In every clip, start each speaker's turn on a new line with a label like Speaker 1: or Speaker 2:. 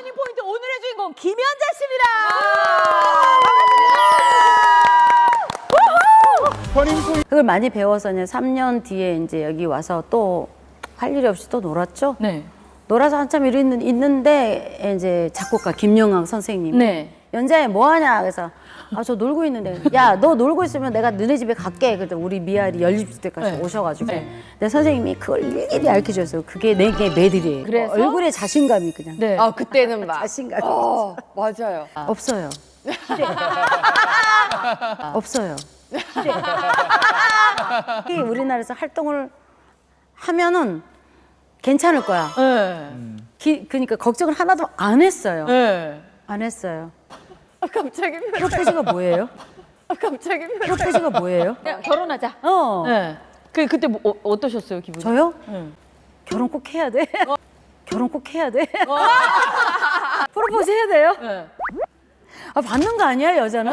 Speaker 1: 터닝포인트 오늘의 주인공 김연자 씨입니다.
Speaker 2: 그걸 많이 배워서 이제 3년 뒤에 이제 여기 와서 또 할 일이 없이 또 놀았죠.
Speaker 1: 네.
Speaker 2: 놀아서 한참 있는데 이제 작곡가 김영학 선생님이
Speaker 1: 네.
Speaker 2: 연자야 뭐 하냐 그래서 아 저 놀고 있는데 야 너 놀고 있으면 내가 너네 집에 갈게. 그때 우리 미아리 연립 때까지
Speaker 1: 네.
Speaker 2: 오셔가지고
Speaker 1: 네.
Speaker 2: 내 선생님이 그걸 일일이 알려줬어요. 그게 내게 매들이에요.
Speaker 1: 그래서?
Speaker 2: 얼굴에 자신감이 그냥
Speaker 1: 네.
Speaker 3: 아 그때는 막
Speaker 2: 자신감이
Speaker 3: 맞아요.
Speaker 2: 없어요. 없어요. 특히 우리나라에서 활동을 하면은 괜찮을 거야.
Speaker 1: 네.
Speaker 2: 그러니까 걱정을 하나도 안 했어요.
Speaker 1: 네.
Speaker 2: 안 했어요.
Speaker 3: 갑자기
Speaker 2: 프로포즈가 뭐예요?
Speaker 3: 갑자기
Speaker 2: 프로포즈가 뭐예요?
Speaker 1: 그냥 결혼하자.
Speaker 2: 네.
Speaker 1: 그때 뭐, 어떠셨어요 기분이?
Speaker 2: 저요?
Speaker 1: 네.
Speaker 2: 결혼 꼭 해야 돼. 결혼 꼭 해야 돼. 프로포즈 해야 돼요?
Speaker 1: 네.
Speaker 2: 아, 받는 거 아니야 여자는?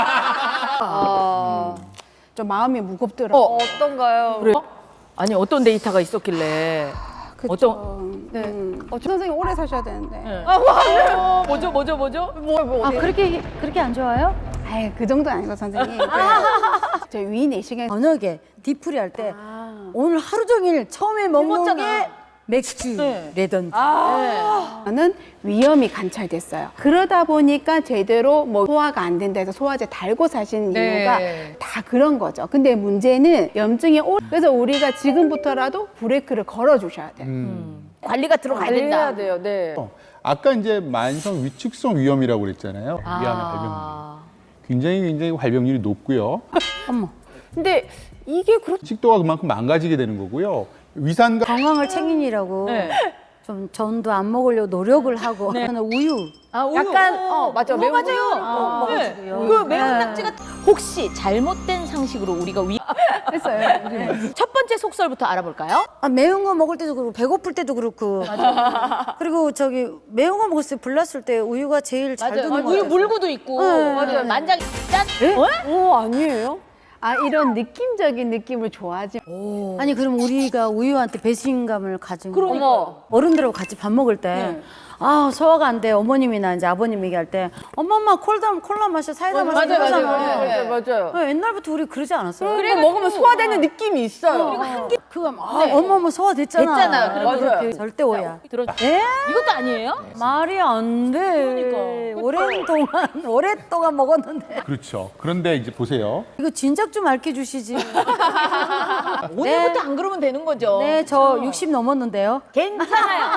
Speaker 4: 좀 마음이 무겁더라고요.
Speaker 3: 어떤가요?
Speaker 1: 그래. 아니 어떤 데이터가 있었길래? 어떤?
Speaker 4: 네. 선생님 오래 사셔야 되는데.
Speaker 1: 네. 뭐죠?
Speaker 2: 아 그렇게 안 좋아요?
Speaker 4: 아이, 그 정도는 아니고 선생님. 저희 위 내시경
Speaker 2: 저녁에 디프리 할 때 오늘 하루 종일 처음에 먹는 게 맥주래던지.
Speaker 4: 는 위염이 관찰됐어요. 그러다 보니까 제대로 뭐 소화가 안 된다 해서 소화제 달고 사시는 이유가 다 그런 거죠. 근데 문제는 염증이 그래서 우리가 지금부터라도 브레이크를 걸어 주셔야 돼요.
Speaker 1: 관리가 들어가야 된다.
Speaker 3: 해야 돼요. 네.
Speaker 5: 아까 이제 만성 위축성 위염이라고 그랬잖아요. 위암의 발병률. 굉장히 발병률이 높고요.
Speaker 3: 근데 이게 그렇죠.
Speaker 5: 식도가 그만큼 망가지게 되는 거고요. 위산과
Speaker 2: 건강을 챙기느라고
Speaker 1: 네.
Speaker 2: 좀 전도 안 먹으려고 노력을 하고 저는 우유
Speaker 1: 아, 우유.
Speaker 3: 약간 맞아 매운
Speaker 1: 맞아요.
Speaker 2: 먹어주고요.
Speaker 1: 그 매운
Speaker 2: 네.
Speaker 1: 낙지가 혹시 잘못된 상식으로 우리가
Speaker 4: 했어요.
Speaker 1: 첫 번째 속설부터 알아볼까요?
Speaker 2: 아, 매운 거 먹을 때도 그렇고 배고플 때도 그렇고 그리고 저기 매운 거 먹었을 때 불났을 때 우유가 제일 잘 드는 거
Speaker 1: 우유
Speaker 2: 같아요.
Speaker 1: 물구도 있고
Speaker 2: 네.
Speaker 1: 맞아요. 만장이 짠.
Speaker 3: 오 아니에요?
Speaker 4: 아 이런 느낌적인 느낌을 좋아하지.
Speaker 2: 아니 그럼 우리가 우유한테 배신감을 가진 거
Speaker 3: 어머.
Speaker 2: 어른들하고 같이 밥 먹을 때 아 소화가 안 돼 어머님이나 이제 아버님 얘기할 때 엄마 콜라 마셔 사이다 마셔 이러잖아. 옛날부터 우리 그러지 않았어요?
Speaker 3: 그래 먹으면 소화되는 느낌이 있어요.
Speaker 2: 그거 엄마 소화됐잖아.
Speaker 1: 됐잖아.
Speaker 2: 그리고
Speaker 3: 맞아요.
Speaker 2: 그렇게 절대 오야.
Speaker 1: 들어.
Speaker 2: 에?
Speaker 1: 이것도 아니에요?
Speaker 2: 말이 안 돼. 오랫동안 먹었는데.
Speaker 5: 그렇죠. 그런데 이제 보세요.
Speaker 2: 이거 진작 좀 알려 주시지.
Speaker 1: 오늘부터 안 그러면 되는 거죠.
Speaker 2: 네, 저 60 넘었는데요.
Speaker 1: 괜찮아요.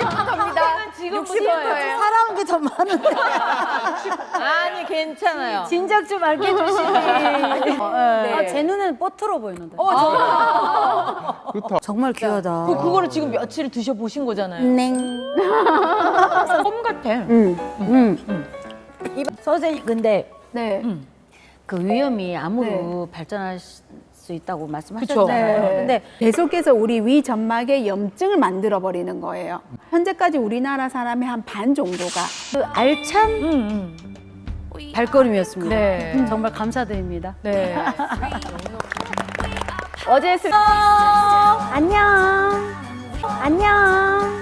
Speaker 1: 지금부터예요.
Speaker 2: 살아온 게 더 많은데.
Speaker 1: 아니 괜찮아요.
Speaker 2: 진작 좀 알려 주시지. 아, 제 눈에는 뽀트로 보이는데.
Speaker 5: 그렇다.
Speaker 2: 정말 귀하다.
Speaker 1: 그거를 지금 며칠 드셔 보신 거잖아요.
Speaker 2: 냉.
Speaker 1: 껌 같아.
Speaker 2: 선생님, 근데
Speaker 4: 네.
Speaker 2: 그 위험이 암으로 발전할 수 있다고 말씀하셨잖아요.
Speaker 4: 네.
Speaker 2: 근데
Speaker 4: 계속해서 우리 위 점막에 염증을 만들어 버리는 거예요. 현재까지 우리나라 사람의 한 반 정도가
Speaker 2: 그 알찬 발걸음이었습니다.
Speaker 1: 네.
Speaker 2: 정말 감사드립니다.
Speaker 1: 네.
Speaker 3: 어제
Speaker 2: 안녕. 안녕.